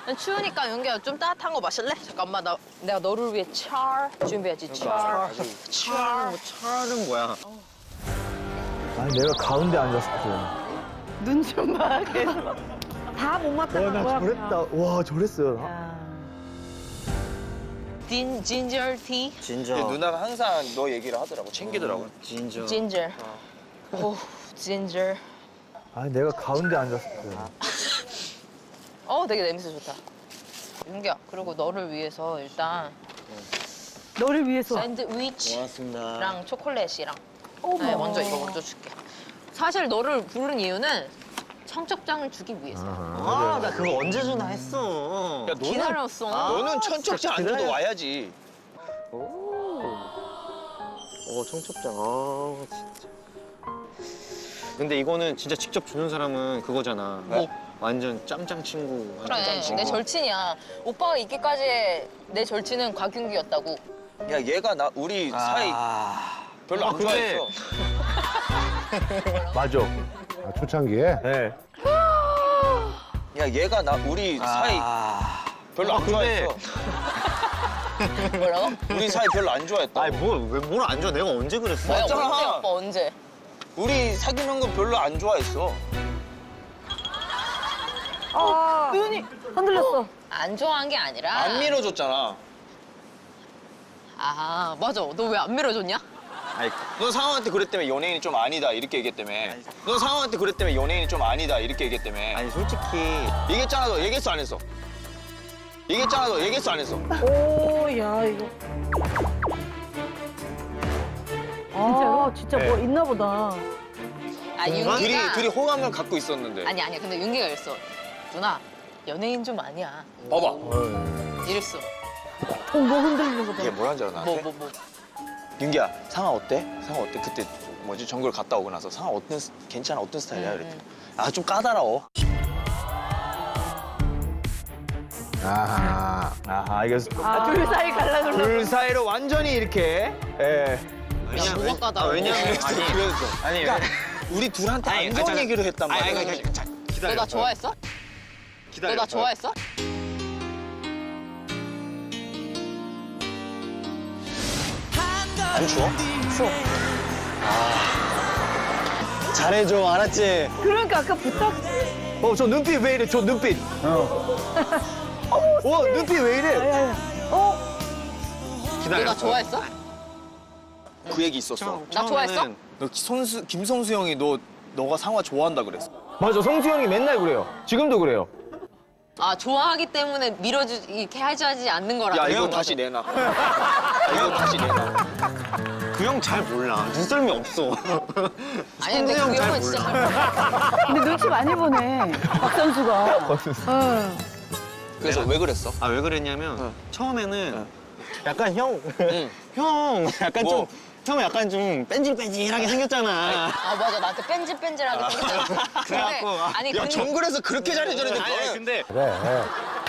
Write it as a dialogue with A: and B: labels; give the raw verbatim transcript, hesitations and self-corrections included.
A: 추우니까 윤기야 좀 따뜻한 거 마실래? 잠깐만 나 내가 너를 위해 차 준비했지. 차.
B: 차는 뭐 차는 뭐야?
C: 아니 내가 가운데 앉았어.
D: 눈 좀 봐, 계속. 다 못 맞다는
C: 와나
D: 거야.
C: 저랬다. 와 저랬어요.
D: 야.
A: 진 진저 티.
B: 진저.
E: 누나가 항상 너 얘기를 하더라고. 챙기더라고.
B: 진저.
A: 진저. 오 진저.
C: 아니 내가 가운데 앉았어.
A: 어 되게 냄새 좋다. 윤기야 그리고 너를 위해서 일단
D: 너를 위해서.
A: 샌드위치랑
B: 고맙습니다.
A: 초콜릿이랑.
D: 어머.
A: 네, 먼저 이거 먼저 줄게. 사실 너를 부른 이유는 청첩장을 주기 위해서.
B: 아, 나 그거 언제 주나 했어.
E: 야, 너는,
A: 기다렸어.
E: 너는 천척지 안 줘도
B: 기다려.
E: 와야지.
B: 어, 청첩장. 아, 진짜. 근데 이거는 진짜 직접 주는 사람은 그거잖아.
A: 뭐?
B: 완전 짬짱 친구. 완전
A: 그래,
B: 짬 친구.
A: 내 절친이야. 오빠가 있기까지의 내 절친은 곽윤기였다고.
E: 야, 얘가 나 우리 사이
B: 아.
E: 별로
B: 아,
E: 안
B: 근데-
E: 좋아했어.
C: 맞아.
F: 아, 초창기에?
C: 네.
E: 야, 얘가 나 우리 사이
B: 아.
E: 별로
B: 아,
E: 안
B: 근데-
E: 좋아했어.
A: 뭐라고?
E: 우리 사이 별로 안 좋아했다.
B: 아니, 뭐, 왜, 뭘 안 줘? 내가 언제 그랬어?
A: 뭐야,
E: 맞잖아.
A: 언제 오빠 언제?
E: 우리 사귀는 건 별로 안 좋아했어.
D: 아, 눈이 흔들렸어.
A: 안 좋아한 게 아니라.
E: 안 밀어줬잖아.
A: 아 맞아. 너 왜 안 밀어줬냐?
B: 아니,
E: 너 상황한테 그랬다며 연예인이 좀 아니다 이렇게 얘기했다며. 너 상황한테 그랬다며 연예인이 좀 아니다 이렇게 얘기했다며.
B: 아니, 솔직히.
E: 얘기했잖아 너. 얘기했어 안 했어? 얘기했잖아 너. 얘기했어 안 했어?
D: 오, 야, 이거. 진짜로? 진짜 뭐
C: 네.
D: 있나 보다.
A: 아
E: 둘이
A: 윤기가.
E: 둘이 호감을 갖고 있었는데.
A: 아니 아니야. 근데 윤기가 이랬어. 누나 연예인 좀 아니야.
E: 봐봐.
A: 이랬어.
D: 어, 뭐 흔들리는 거 봐.
E: 이게 뭐라는 줄 알아
A: 뭐
E: 나한테?
A: 뭐 뭐.
E: 윤기야 상아 어때? 상아 어때? 그때 뭐지 정글 갔다 오고 나서 상아 어떤 스- 괜찮아 어떤 스타일이야? 이랬더니 아 좀 까다로워.
F: 아하.
C: 아하 이거
D: 아, 둘 사이 갈라 그러고.
C: 둘 사이로 완전히 이렇게. 예.
B: 왜냐,
A: 뭐가 까다로워?
B: 아, 왜냐면.
E: 그랬어.
B: 아니,
E: 그랬어.
B: 아니,
E: 그러니까 우리 둘한테
B: 아니,
E: 안 좋은
B: 아니,
E: 얘기를 했단
B: 아니,
E: 말이야.
B: 아니, 아니, 아니, 자,
A: 너
B: 기다려.
A: 나 좋아했어? 너
B: 기다려.
A: 나 좋아했어?
E: 안 추워?
B: 잘해줘, 알았지?
D: 그러니까 아까 부탁.
C: 어 저 눈빛 왜 이래? 저 눈빛. 어. 와 눈빛 왜 이래?
D: 야, 야. 어?
A: 너
B: 기다려.
A: 나 좋아했어?
E: 그 얘기 있었어.
B: 처음-
A: 나 좋아했어?
B: 처음에는
E: 너 손수 김성수 형이 너 너가 상화 좋아한다 그랬어.
C: 맞아 성수 형이 맨날 그래요. 지금도 그래요.
A: 아 좋아하기 때문에 밀어주 이렇게 하지 않는 거라.
E: 야
B: 그
E: 이거
B: 형
E: 다시 내놔. 야, 이거 다시 내놔.
B: 그 형 잘 몰라. 눈썰미 없어.
A: 아니 근데
B: 성수
A: 그
B: 형잘
A: 형은 진짜
B: 몰라.
A: 잘.
D: 근데 눈치 많이 보네. 박 선수가. 응.
E: 그래서 왜 그랬어?
B: 아, 왜 그랬냐면, 처음에는 약간 형,
E: 응.
B: 형, 약간
E: 뭐?
B: 좀, 형 약간 좀 뺀질뺀질하게 생겼잖아.
A: 아 맞아 나한테 뺀질뺀질하게 생겼어.
B: 그래갖고, 아,
A: 아니
E: 야
A: 근데
E: 정글에서 그렇게 잘해줬는데
B: 아니, 아니,
E: 너는
B: 근데
F: 그래.